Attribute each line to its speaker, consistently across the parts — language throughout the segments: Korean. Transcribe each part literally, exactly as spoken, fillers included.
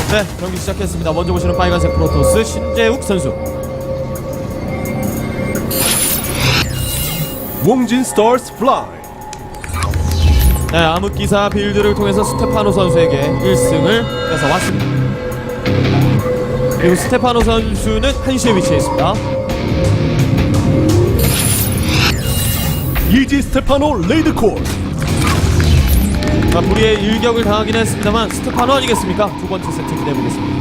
Speaker 1: 네, 경기 시작했습니다. 먼저 보시는 빨간색 프로토스 신재욱 선수.
Speaker 2: 몽진 스타스 플라이.
Speaker 1: 네, 암흑기사 빌드를 통해서 스테파노 선수에게 일 승을 뺏어왔습니다. 그리고 스테파노 선수는 한시에 위치해 있습니다.
Speaker 2: 이지 스테파노 레이드콜.
Speaker 1: 아, 불의의 일격을 당하긴 했습니다만 스테파노 아니겠습니까? 두 번째 세트 기대해보겠습니다.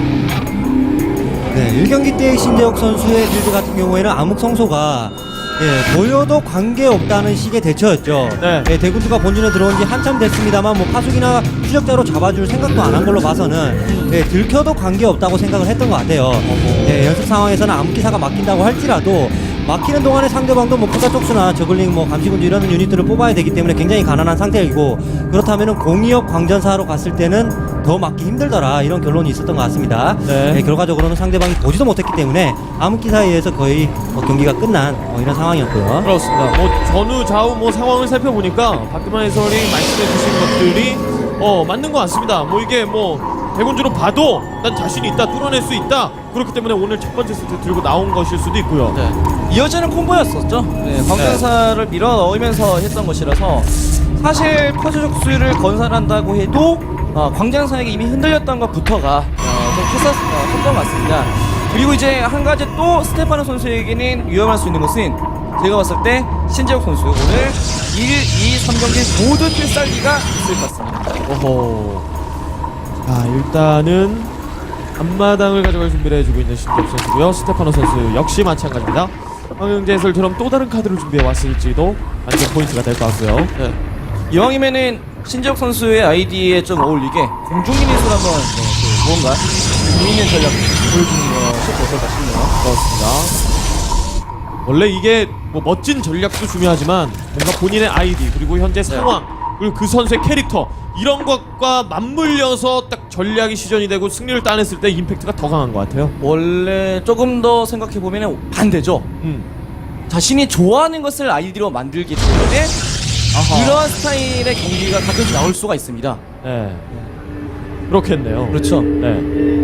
Speaker 3: 네, 일 경기 때의 신재욱 선수의 빌드 같은 경우에는 암흑성소가 예, 보여도 관계없다는 식의 대처였죠.
Speaker 1: 네.
Speaker 3: 예, 대군주가 본진에 들어온 지 한참 됐습니다만 뭐 파수기나 추적자로 잡아줄 생각도 안 한 걸로 봐서는 예, 들켜도 관계없다고 생각을 했던 것 같아요. 예, 연습 상황에서는 암흑기사가 막힌다고 할지라도 막히는 동안에 상대방도 뭐 포자 쪽수나 저글링 뭐 감시군주 이런 유닛들을 뽑아야 되기 때문에 굉장히 가난한 상태이고, 그렇다면은 공이업 광전사로 갔을 때는 더 막기 힘들더라, 이런 결론이 있었던 것 같습니다.
Speaker 1: 네.
Speaker 3: 예, 결과적으로는 상대방이 보지도 못했기 때문에 암흑기사에 의해서 거의 뭐 경기가 끝난 뭐 이런 상황이었고요.
Speaker 1: 그렇습니다. 뭐 전후 좌우 뭐 상황을 살펴보니까 박규만 해설이 말씀해 주신 것들이 어 맞는 것 같습니다. 뭐 이게 뭐 대군주로 봐도 난 자신이 있다, 뚫어낼 수 있다, 그렇기 때문에 오늘 첫 번째 세트 들고 나온 것일 수도 있고요.
Speaker 4: 네. 이어지는 콤보였었죠. 네, 광전사를 밀어 넣으면서 했던 것이라서 사실 퍼즐적 수를 건설한다고 해도 어, 광전사에게 이미 흔들렸던 것부터가 어, 좀 컸었, 어, 컸던 것 같습니다. 그리고 이제 한 가지 또 스테파노 선수에게는 위험할 수 있는 것은, 제가 봤을 때 신재욱 선수 오늘 일, 이, 삼 경기 모두 필살기가 있을 것 같습니다.
Speaker 1: 오호. 자, 일단은 앞마당을 가져갈 준비를 해주고 있는 신재욱 선수고요. 스테파노 선수 역시 마찬가지입니다. 황영재 해설처럼 또 다른 카드를 준비해 왔을지도 완전 포인트가 될 것 같고요.
Speaker 4: 네. 이왕이면은 신재욱 선수의 아이디에 좀 어울리게 공중유닛을 한번 네, 그 뭔가 재미있는 전략 보여주는 것이 어떨까 싶네요.
Speaker 1: 그렇습니다. 원래 이게 뭐 멋진 전략도 중요하지만 뭔가 본인의 아이디, 그리고 현재 상황, 그리고 그 선수의 캐릭터, 이런 것과 맞물려서 딱 전략이 시전이 되고 승리를 따냈을 때 임팩트가 더 강한 것 같아요.
Speaker 4: 원래 조금 더 생각해보면 반대죠.
Speaker 1: 음.
Speaker 4: 자신이 좋아하는 것을 아이디로 만들기 때문에
Speaker 1: 아하.
Speaker 4: 그러한 스타일의 경기가 가끔씩 나올 수가 있습니다.
Speaker 1: 네. 그렇겠네요.
Speaker 4: 그렇죠.
Speaker 1: 네.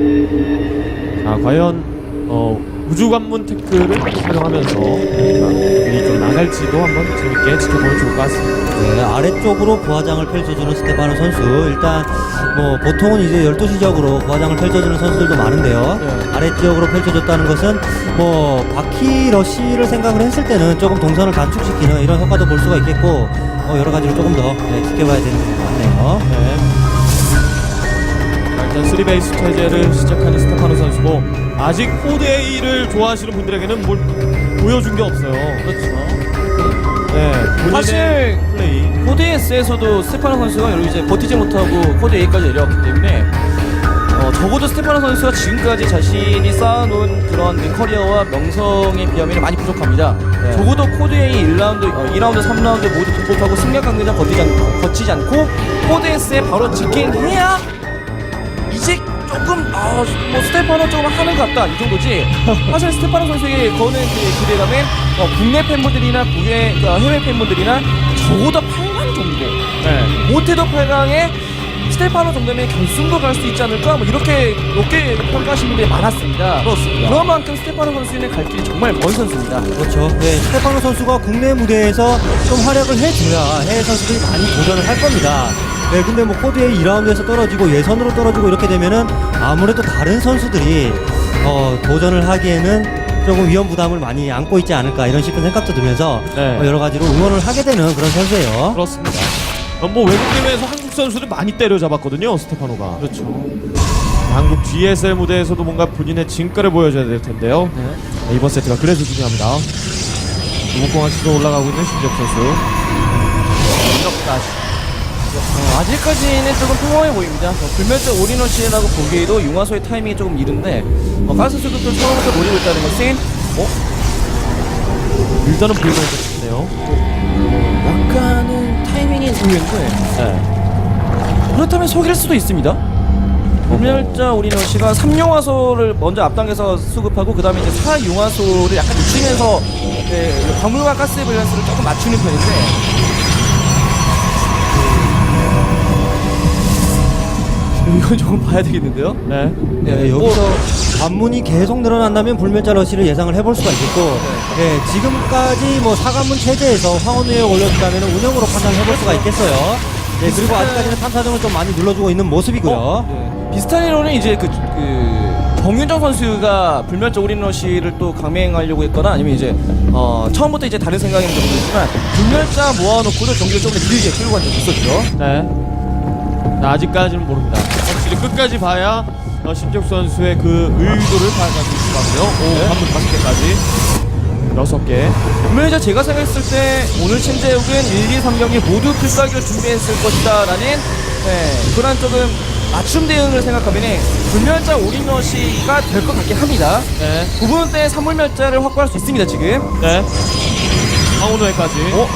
Speaker 1: 자, 과연 어, 우주관문 태클을 활용하면서 이 좀 나갈지도 한번 재밌게 지켜보면 좋을 것 같습니다.
Speaker 3: 네, 아래쪽으로 부하장을 펼쳐주는 스테파노 선수, 일단 뭐 보통은 이제 열두 시 지역으로 부하장을 펼쳐주는 선수들도 많은데요.
Speaker 1: 네.
Speaker 3: 아래쪽으로 펼쳐줬다는 것은 뭐 바퀴 러쉬를 생각을 했을 때는 조금 동선을 단축시키는 이런 효과도 볼 수가 있겠고, 어, 여러 가지로 조금 더 네, 지켜봐야 되는 것 같네요.
Speaker 1: 네. 자, 일단 쓰리 베이스 체제를 시작하는 스테파노 선수고, 아직 코드 A를 좋아하시는 분들에게는 뭘 보여준 게 없어요.
Speaker 4: 그렇죠.
Speaker 1: 네, 본인의
Speaker 4: 사실
Speaker 1: 플레이.
Speaker 4: 코드 S에서도 스테파노 선수가 여기 이제 버티지 못하고 코드 A까지 내려왔기 때문에 어, 적어도 스테파노 선수가 지금까지 자신이 쌓아놓은 그런 그 커리어와 명성에 비하면 많이 부족합니다.
Speaker 1: 네.
Speaker 4: 적어도 코드 A 일 라운드, 어, 이 라운드, 삼 라운드 모두 극복하고 승격 강대장 거치지, 않, 거치지 않고 코드 S에 바로 직행해야 이제 조금 아, 뭐 스테파노 조금 하는 것 같다, 이 정도지. 사실 스테파노 선수에게 거는 그 기대감은 어, 국내 팬분들이나 국외 어, 해외 팬분들이나 적어도 팔 강 정도,
Speaker 1: 네.
Speaker 4: 못해도 팔 강에 스테파노 정도면 결승도 갈 수 있지 않을까, 뭐 이렇게 높게 평가하시는 분들이 많았습니다.
Speaker 1: 그렇습니다.
Speaker 4: 그런 만큼 스테파노 선수는 갈 길이 정말 먼 선수입니다.
Speaker 3: 그렇죠. 네, 스테파노 선수가 국내 무대에서 좀 활약을 해줘야 해외 선수들이 많이 도전을 할 겁니다. 네, 근데 뭐 코드에 이 라운드에서 떨어지고 예선으로 떨어지고 이렇게 되면은 아무래도 다른 선수들이 어, 도전을 하기에는 조금 위험 부담을 많이 안고 있지 않을까, 이런 싶은 생각도 들면서
Speaker 1: 네.
Speaker 3: 어, 여러 가지로 응원을 하게 되는 그런 선수예요.
Speaker 1: 그렇습니다. 어, 뭐 외국 대회에서 한국 선수들 많이 때려잡았거든요, 스테파노가.
Speaker 4: 그렇죠.
Speaker 1: 한국 지에스엘 무대에서도 뭔가 본인의 진가를 보여줘야 될 텐데요.
Speaker 4: 네.
Speaker 1: 네, 이번 세트가 그래서 중요합니다. 무공항 시도 올라가고 있는 신재욱 선수.
Speaker 4: 어, 아직까지는 조금 평범해 보입니다. 어, 불멸적 올인원시라고 보기에도 융화소의 타이밍이 조금 이른데 어, 가스 수급도 처음부터 노리고 있다는 것은 어?
Speaker 1: 일단은 불면서 싶네요.
Speaker 4: 약간은 타이밍이 의외인데
Speaker 1: 네.
Speaker 4: 그렇다면 속일 수도 있습니다. 불멸자 올인원시가 삼 융화소를 먼저 앞당겨서 수급하고 그 다음에 이제 사 융화소를 약간 늦추면서 네, 광물과 가스 밸런스를 조금 맞추는 편인데 이건 조금 봐야 되겠는데요.
Speaker 1: 네.
Speaker 3: 네, 여기서 관문이 계속 늘어난다면 불멸자 러시를 예상을 해볼 수가 있겠고, 예, 지금까지 뭐 사관문 체제에서 황혼우에 올렸다면 운영으로 판단을 해볼 수가 있겠어요. 네, 그리고 아직까지는 탐사정을 좀 많이 눌러주고 있는 모습이고요.
Speaker 4: 네. 비슷한 이론은 이제 그, 그 정윤정 선수가 불멸자 올인러시를 또 강맹하려고 했거나 아니면 이제 어, 처음부터 이제 다른 생각인 경우도 있지만 불멸자 모아놓고도 경기를 좀 더 길게 끌고 간 적이 있었죠.
Speaker 1: 네. 자, 아직까지는 모릅니다. 확실히 끝까지 봐야 어, 신적 선수의 그 의도를 파악할 수 있을 것 같고요. 오, 한분 다섯 개까지. 여섯 개.
Speaker 4: 분명히 제가 생각했을 때 오늘 신재욱은 일, 이, 삼 경기 모두 필살기를 준비했을 것이다 라는 네, 그런 조금 맞춤 대응을 생각하면 불멸자 올인러시가 될 것 같긴 합니다.
Speaker 1: 네.
Speaker 4: 부분대 삼불멸자를 확보할 수 있습니다 지금.
Speaker 1: 네. 황혼우회까지.
Speaker 4: 어?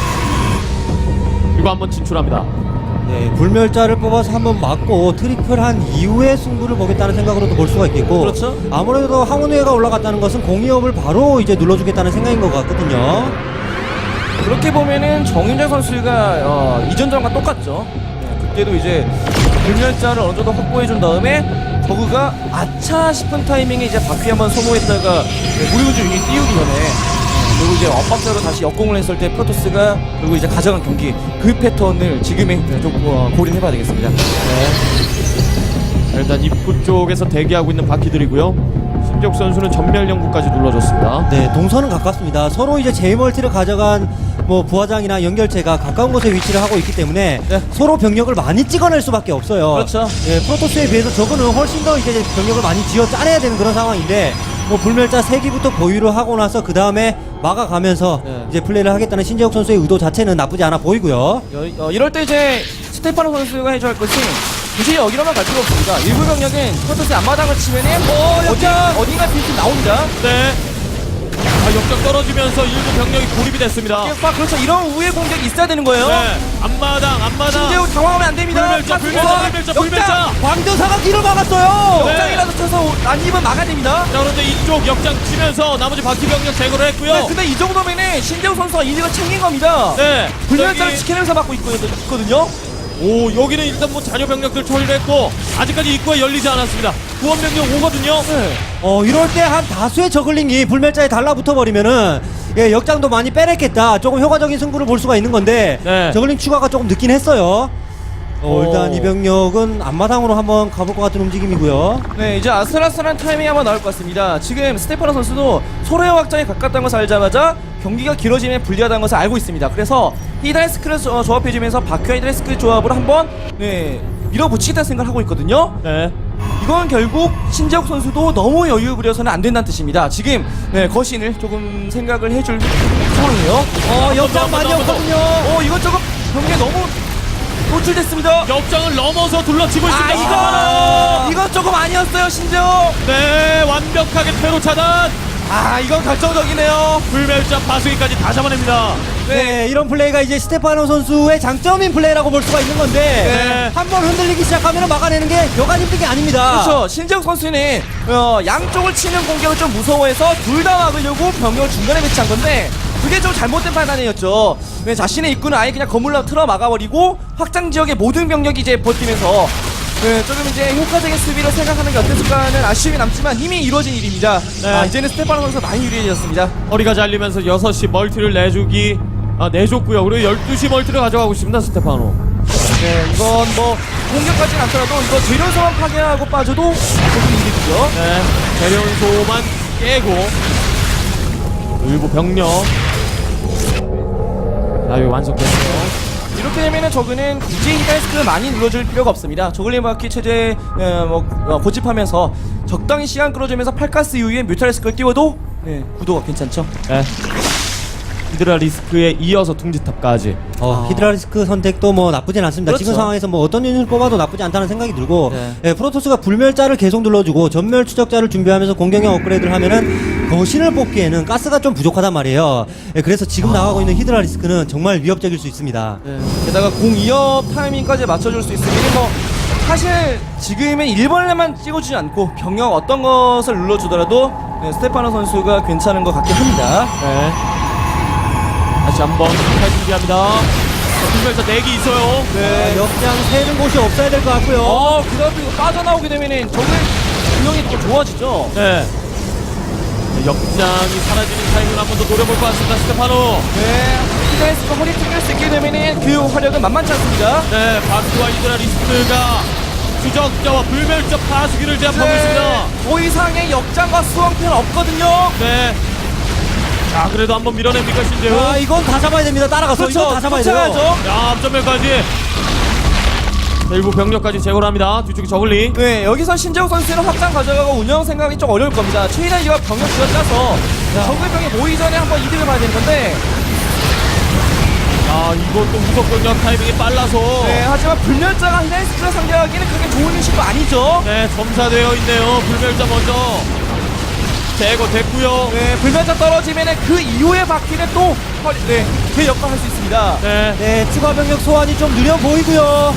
Speaker 1: 그리고 한번 진출합니다.
Speaker 3: 네, 불멸자를 뽑아서 한번 맞고 트리플한 이후에 승부를 보겠다는 생각으로도 볼 수가 있겠고,
Speaker 4: 그렇죠.
Speaker 3: 아무래도 황혼우회가 올라갔다는 것은 공이업을 바로 이제 눌러주겠다는 생각인 것 같거든요.
Speaker 4: 그렇게 보면은 정윤정 선수가 어, 이전전과 똑같죠. 네, 그때도 이제 불멸자를 어느 정도 확보해준 다음에 저그가 아차 싶은 타이밍에 이제 바퀴 한번 소모했다가 네, 무리군주 유닛 띄우기 전에 어, 그리고 이제 엇박자로 다시 역공을 했을 때 프로토스가 그리고 이제 가져간 경기 그 패턴을 지금에 네, 좀 어, 고려해봐야 되겠습니다.
Speaker 1: 네. 자, 일단 입구 쪽에서 대기하고 있는 바퀴들이고요. 신적 선수는 전멸 연구까지 눌러줬습니다.
Speaker 3: 네, 동선은 가깝습니다. 서로 이제 제이멀티를 가져간 뭐 부화장이나 연결체가 가까운 곳에 위치를 하고 있기 때문에
Speaker 4: 네.
Speaker 3: 서로 병력을 많이 찍어낼 수밖에 없어요.
Speaker 4: 그렇죠.
Speaker 3: 예, 프로토스에 비해서 저거는 훨씬 더 이제 병력을 많이 지어 짜내야 되는 그런 상황인데, 뭐 불멸자 세 기부터 보유를 하고 나서 그 다음에 막아가면서
Speaker 4: 네.
Speaker 3: 이제 플레이를 하겠다는 신재욱 선수의 의도 자체는 나쁘지 않아 보이고요.
Speaker 4: 여, 어, 이럴 때 이제 스테파노 선수가 해줘야 할 것이 굳이 여기로만 갈 필요 없습니다. 일부 병력은 프로토스의 앞마당을 치면은 어, 어디, 어딘가 빌드 나옵니다.
Speaker 1: 네. 아, 역전 떨어지면서 일부 병력이 고립이 됐습니다.
Speaker 4: 아, 그렇죠. 이런 우회 공격이 있어야 되는 거예요.
Speaker 1: 네. 앞마당, 앞마당.
Speaker 4: 신재욱 당황하면 안 됩니다.
Speaker 1: 불멸자, 불멸자, 불멸자, 불멸자.
Speaker 3: 광전사가 길을 막았어요.
Speaker 1: 네.
Speaker 4: 역장이라도 쳐서 난입은 막아야 됩니다.
Speaker 1: 자, 그런데 이쪽 역장 치면서 나머지 바퀴 병력 제거를 했고요.
Speaker 4: 네, 근데 이 정도면은 신재욱 선수가 이득을 챙긴 겁니다.
Speaker 1: 네.
Speaker 4: 불멸자를
Speaker 1: 저기-
Speaker 4: 지켜내면서 막고 있거든요.
Speaker 1: 오, 여기는 일단 뭐 자녀 병력들 처리를 했고 아직까지 입구가 열리지 않았습니다. 구원 병력 오거든요.
Speaker 4: 네.
Speaker 3: 어, 이럴 때 한 다수의 저글링이 불멸자에 달라붙어 버리면은, 예, 역장도 많이 빼냈겠다. 조금 효과적인 승부를 볼 수가 있는 건데,
Speaker 1: 네.
Speaker 3: 저글링 추가가 조금 늦긴 했어요. 어,
Speaker 1: 오.
Speaker 3: 일단 이 병력은 앞마당으로 한번 가볼 것 같은 움직임이고요.
Speaker 4: 네, 이제 아슬아슬한 타이밍이 한번 나올 것 같습니다. 지금 스테파노 선수도 서로의 확장에 가깝다는 것을 알자마자 경기가 길어지면 불리하다는 것을 알고 있습니다. 그래서 히드라이스크를 조- 조합해주면서 바퀴와 히드라이스크 조합으로 한번 네, 밀어붙이겠다는 생각을 하고 있거든요.
Speaker 1: 네.
Speaker 4: 이건 결국 신재욱 선수도 너무 여유 부려서는 안 된다는 뜻입니다. 지금 네, 거신을 조금 생각을 해줄 상황이에요. 어,
Speaker 1: 역장 많이 없거든요.
Speaker 4: 어, 이건 조금 경기에 너무 노출됐습니다.
Speaker 1: 역장을 넘어서 둘러치고
Speaker 4: 아,
Speaker 1: 있습니다.
Speaker 4: 이거
Speaker 1: 아,
Speaker 4: 이건 조금 아니었어요, 신재욱.
Speaker 1: 네, 완벽하게 퇴로 차단.
Speaker 4: 아, 이건 결정적이네요.
Speaker 1: 불멸자 파수기까지 다 잡아냅니다.
Speaker 3: 네, 이런 플레이가 이제 스테파노 선수의 장점인 플레이라고 볼 수가 있는 건데,
Speaker 1: 네.
Speaker 3: 한번 흔들리기 시작하면 막아내는 게 여간 힘든 게 아닙니다.
Speaker 4: 그렇죠. 신재욱 선수는 어, 양쪽을 치는 공격을 좀 무서워해서 둘 다 막으려고 병력을 중간에 배치한 건데 그게 좀 잘못된 판단이었죠. 네, 자신의 입구는 아예 그냥 건물로 틀어 막아버리고 확장 지역의 모든 병력이 이제 버티면서 네, 조금 이제 효과적인 수비를 생각하는 게 어땠을까는 아쉬움이 남지만 이미 이루어진 일입니다.
Speaker 1: 네.
Speaker 4: 아, 이제는 스테파노 선수가 많이 유리해졌습니다.
Speaker 1: 허리가 잘리면서 여섯 시 멀티를 내주기 아, 내줬고요. 그리고 열두 시 멀티를 가져가고 있습니다. 스테파노.
Speaker 4: 네, 이건 뭐 공격까지는 않더라도 이거 재련 소환 파괴하고 빠져도 조금 이득이죠.
Speaker 1: 네. 재련 소만 깨고 일부 병력 자, 여기 완성됐어요.
Speaker 4: 이렇게 되면은 저그는 굳이 히드라이스크를 많이 눌러줄 필요가 없습니다. 저글링 바퀴 체제 어, 뭐, 어, 고집하면서 적당히 시간 끌어주면서 팔가스 이후에 뮤탈리스크를 띄워도 네, 구도가 괜찮죠.
Speaker 1: 네. 히드라 리스크에 이어서 둥지탑까지.
Speaker 3: 어, 히드라리스크 선택도 뭐 나쁘진 않습니다.
Speaker 4: 그렇죠.
Speaker 3: 지금 상황에서 뭐 어떤 유닛을 뽑아도 나쁘지 않다는 생각이 들고,
Speaker 4: 네.
Speaker 3: 예, 프로토스가 불멸자를 계속 눌러주고 전멸 추적자를 준비하면서 공격형 업그레이드를 하면은 거신을 뽑기에는 가스가 좀 부족하단 말이에요. 예, 그래서 지금 나가고 있는 히드라리스크는 정말 위협적일 수 있습니다.
Speaker 4: 네. 게다가 공 이업 타이밍까지 맞춰줄 수 있으면 뭐 사실 지금은 일 번에만 찍어주지 않고 병력 어떤 것을 눌러주더라도 네, 스테파노 선수가 괜찮은 것 같긴 합니다.
Speaker 1: 네. 다시 한번 탈 준비합니다. 불멸자 네 개 있어요.
Speaker 4: 네.
Speaker 3: 역장 세는 곳이 없어야 될 것 같고요.
Speaker 4: 어, 그다음 이거 빠져나오게 되면은 적의 균형이 더 좋아지죠.
Speaker 1: 네. 역장이 사라지는 타이밍을 한 번 더 노려볼 것 같습니다. 스테파노.
Speaker 4: 네. 히드라리스크가 허리 튕길 수 있게 되면은 그 화력은 만만치 않습니다.
Speaker 1: 네, 바크와 이드라리스트가 추적자와 불멸자 파수기를 제압하고 있습니다.
Speaker 4: 더 이상의 역장과 수왕편 없거든요.
Speaker 1: 네. 자, 그래도 한번 밀어냅니까, 신재우?
Speaker 3: 아, 이건 다 잡아야 됩니다. 따라가서
Speaker 4: 그렇죠.
Speaker 3: 이건 다 잡아야 돼요.
Speaker 4: 쫓아가야죠.
Speaker 1: 야, 앞전멸까지. 일부 병력까지 제거를 합니다. 뒤쪽에 저글링.
Speaker 4: 네, 여기서 신재욱 선수는 확장 가져가고 운영 생각이 좀 어려울 겁니다. 최대한 이거 병력 지어짜서 적의 병이 모이기 전에 한번 이득을 봐야 되는 건데,
Speaker 1: 아, 이것도 무섭군요. 타이밍이 빨라서.
Speaker 4: 네, 하지만 불멸자가 히다리스크를 상대하기에는 그렇게 좋은 인식도 아니죠.
Speaker 1: 네, 점사되어 있네요. 불멸자 먼저 제거됐고요.
Speaker 4: 네, 불멸자 떨어지면은 그 이후에 바퀴는 또 허리, 네, 그 역할을 할 수 있습니다.
Speaker 1: 네.
Speaker 3: 네, 추가 병력 소환이 좀 느려 보이고요.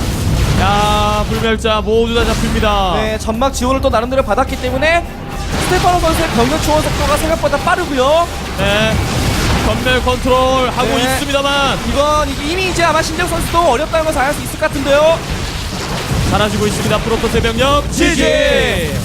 Speaker 1: 야, 불멸자 모두 다 잡힙니다.
Speaker 4: 네, 점막 지원을 또 나름대로 받았기 때문에 스테파노 선수의 병력 초원 속도가 생각보다 빠르고요.
Speaker 1: 네. 전멸 컨트롤 하고
Speaker 4: 네.
Speaker 1: 있습니다만
Speaker 4: 이건 이게 이미 이제 아마 신재욱 선수도 어렵다는 걸 알 수 있을 것 같은데요.
Speaker 1: 사라지고 있습니다. 프로토스 병력 지지.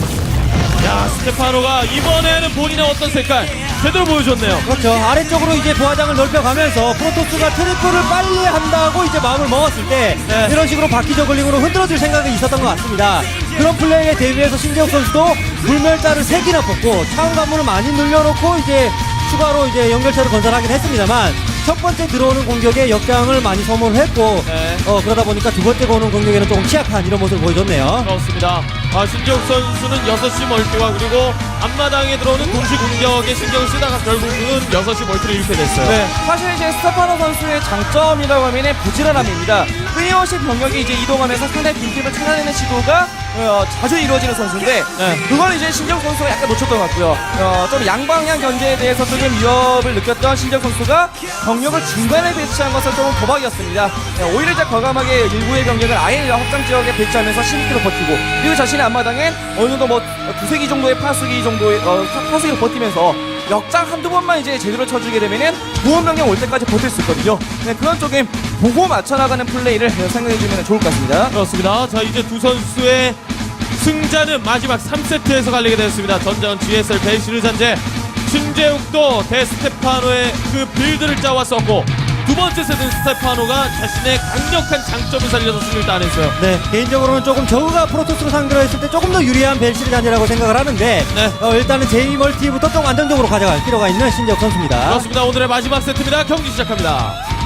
Speaker 1: 야, 스테파노가 이번에는 본인의 어떤 색깔 제대로 보여줬네요.
Speaker 3: 그렇죠. 아래쪽으로 이제 부하장을 넓혀가면서 프로토스가 트리플을 빨리 한다고 이제 마음을 먹었을 때
Speaker 1: 네.
Speaker 3: 이런 식으로 바퀴 저글링으로 흔들어줄 생각이 있었던 것 같습니다. 그런 플레이에 대비해서 신재욱 선수도 불멸자를 세 개나 뽑고 차원 관문을 많이 늘려놓고 이제 추가로 이제 연결체를 건설하긴 했습니다만 첫 번째 들어오는 공격에 역장을 많이 소모를 했고
Speaker 1: 네.
Speaker 3: 어, 그러다 보니까 두 번째 오는 공격에는 조금 취약한 이런 모습을 보여줬네요.
Speaker 1: 그렇습니다. 아, 신재욱 선수는 여섯 시 멀티와 그리고 앞마당에 들어오는 동시 공격에 신경을 쓰다가 결국은 여섯 시 멀티를 잃게 됐어요.
Speaker 4: 네, 사실 이제 스테파노 선수의 장점이라고 하면은 부지런함입니다. 끊임없이 병력이 이제 이동하면서 상대 빈틈을 찾아내는 시도가 어, 자주 이루어지는 선수인데,
Speaker 1: 네.
Speaker 4: 그걸 이제 신재욱 선수가 약간 놓쳤던 것 같고요. 어, 좀 양방향 견제에 대해서 조금 위협을 느꼈던 신재욱 선수가 병력을 중간에 배치한 것은 조금 도박이었습니다. 네, 오히려 이제 과감하게 일부의 병력을 아예 확장 지역에 배치하면서 십육 킬로 버티고, 그리고 자신의 앞마당엔 어느 정도 뭐 두세 기 정도의 파수기 정도의 어, 파수기를 버티면서 역장 한두 번만 이제 제대로 쳐주게 되면은 보험 병력 올 때까지 버틸 수 있거든요. 네, 그런 쪽에 보고 맞춰나가는 플레이를 생각해주면 좋을 것 같습니다.
Speaker 1: 그렇습니다. 자, 이제 두 선수의 승자는 마지막 삼 세트에서 갈리게 되었습니다. 전전 지에스엘 벨시르 잔재. 신재욱도 데스테파노의 그 빌드를 짜왔었고 두 번째 세트는 스테파노가 자신의 강력한 장점을 살려서 승리를 따냈어요.
Speaker 3: 네, 개인적으로는 조금 저그가 프로토스로 상대로 했을 때 조금 더 유리한 벨시리 단이라고 생각을 하는데
Speaker 1: 네.
Speaker 3: 어, 일단은 제이 멀티부터 좀 안정적으로 가져갈 필요가 있는 신재욱 선수입니다.
Speaker 1: 그렇습니다. 오늘의 마지막 세트입니다. 경기 시작합니다.